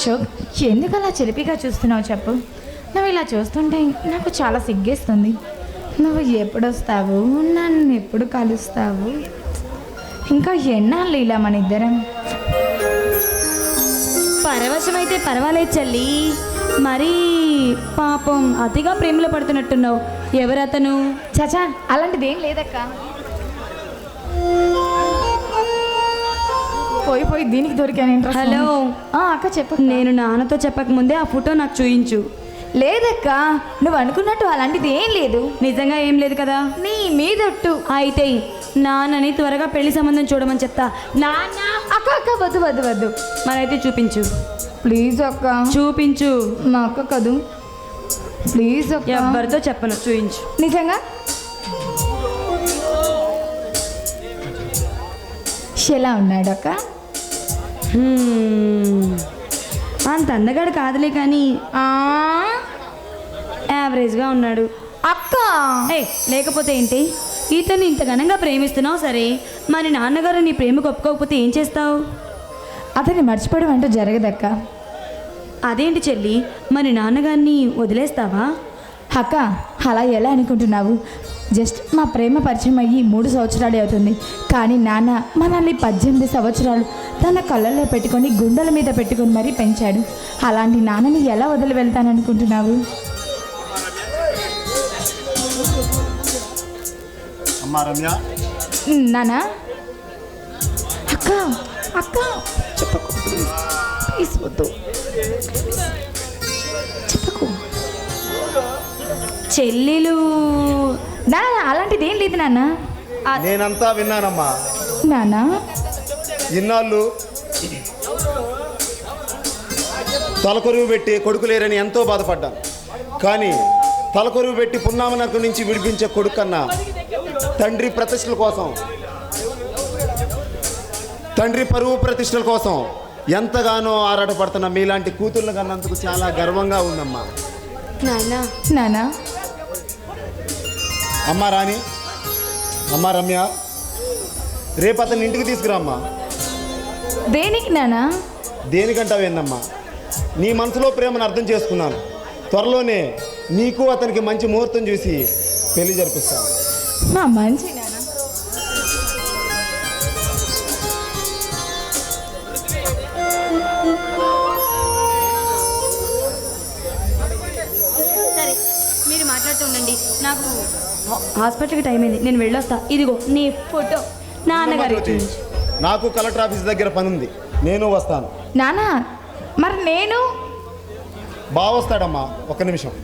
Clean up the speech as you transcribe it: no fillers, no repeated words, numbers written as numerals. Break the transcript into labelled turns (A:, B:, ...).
A: అశోక్, ఎందుకు అలా చిలిపిగా చూస్తున్నావు చెప్పు. నువ్వు ఇలా చూస్తుంటే నాకు చాలా సిగ్గేస్తుంది. నువ్వు ఎప్పుడు వస్తావు, నన్ను ఎప్పుడు కలుస్తావు, ఇంకా ఎన్నాళ్ళు ఇలా మన ఇద్దరం?
B: పరవశమైతే పర్వాలేదు చెల్లి, మరీ పాపం అతిగా ప్రేమలో పడుతున్నట్టున్నావు. ఎవరతను?
A: చచా, అలాంటిదేం లేదక్క. పోయి దీనికి దొరికాను.
B: హలో
A: అక్క చెప్పు.
B: నేను నాన్నతో చెప్పకముందే ఆ ఫోటో నాకు చూయించు.
A: లేదక్క, నువ్వు అనుకున్నట్టు అలాంటిది ఏం లేదు.
B: నిజంగా ఏం లేదు కదా?
A: నీ మీదొట్టు.
B: అయితే నాన్నని త్వరగా పెళ్లి సంబంధం చూడమని చెప్తా. నాన్న.
A: అక్క అక్క, వద్దు వద్దు వద్దు.
B: మరైతే చూపించు
A: ప్లీజ్ అక్క.
B: చూపించు.
A: మా అక్క కదూ, ప్లీజ్ అక్క.
B: ఎవరితో చెప్పను, చూయించు.
A: నిజంగా ఎలా ఉన్నాడు అక్క?
B: అంత అందగాడు కాదులే కానీ యావరేజ్గా ఉన్నాడు
A: అక్క.
B: లేకపోతే ఏంటి, ఇతన్ని ఇంత ఘనంగా ప్రేమిస్తున్నావు సరే, మరి నాన్నగారు నీ ప్రేమకు ఒప్పుకోకపోతే ఏం చేస్తావు?
A: అతన్ని మర్చిపోవడం అంటూ జరగదక్క.
B: అదేంటి చెల్లి, మరి నాన్నగారిని వదిలేస్తావా?
A: అక్క, అలా ఎలా అనుకుంటున్నావు? జస్ట్ మా ప్రేమ పరిచయం అయ్యి 3 సంవత్సరాలే అవుతుంది. కానీ నాన్న మనల్ని 18 సంవత్సరాలు తన కళ్ళల్లో పెట్టుకొని గుండెల మీద పెట్టుకొని మరీ పెంచాడు. అలాంటి నాన్నని ఎలా వదిలి వెళ్తాననుకుంటున్నావు?
C: అమ్మా రమ్య.
A: నానా. అక్క అక్క, చెప్పకు ప్లీజ్, వద్దు చెప్పకు.
B: చెల్లెలు
A: నాన్న, అలాంటిది ఏం లేదు నాన్న.
C: నేనంతా విన్నానమ్మా.
A: నానా,
C: ఇన్నాళ్ళు తలకొరువు పెట్టి కొడుకు లేరని ఎంతో బాధపడ్డాను. కానీ తలకొరువు పెట్టి పున్నామనకు నుంచి విడిపించే కొడుకు కన్నా తండ్రి ప్రతిష్టల కోసం, తండ్రి పరువు ప్రతిష్టల కోసం ఎంతగానో ఆరాటపడుతున్న మీలాంటి కూతుర్లు కన్నందుకు చాలా గర్వంగా ఉందమ్మా.
B: నాన్న.
A: నానా.
C: అమ్మా రాణి, అమ్మా రమ్య, రేపు అతన్ని ఇంటికి తీసుకురామ్మా.
A: దేనికి నానా?
C: దేనికంటావేందమ్మా, నీ మనసులో ప్రేమను అర్థం చేసుకున్నాను. త్వరలోనే నీకు అతనికి మంచి ముహూర్తం చూసి పెళ్లి జరిపిస్తాను.
A: మా మంచి నానా.
B: సరే, మీరు మాట్లాడుతూ ఉండండి, నాకు హాస్పిటల్కి టైం అయింది, నేను వెళ్ళొస్తా. ఇదిగో నీ ఫోటో నాన్నగారికి.
C: నాకు కలెక్టర్ ఆఫీస్ దగ్గర పని ఉంది, నేను వస్తాను.
A: నానా, మరి నేను?
C: బాగా వస్తాడమ్మా, ఒక్క నిమిషం.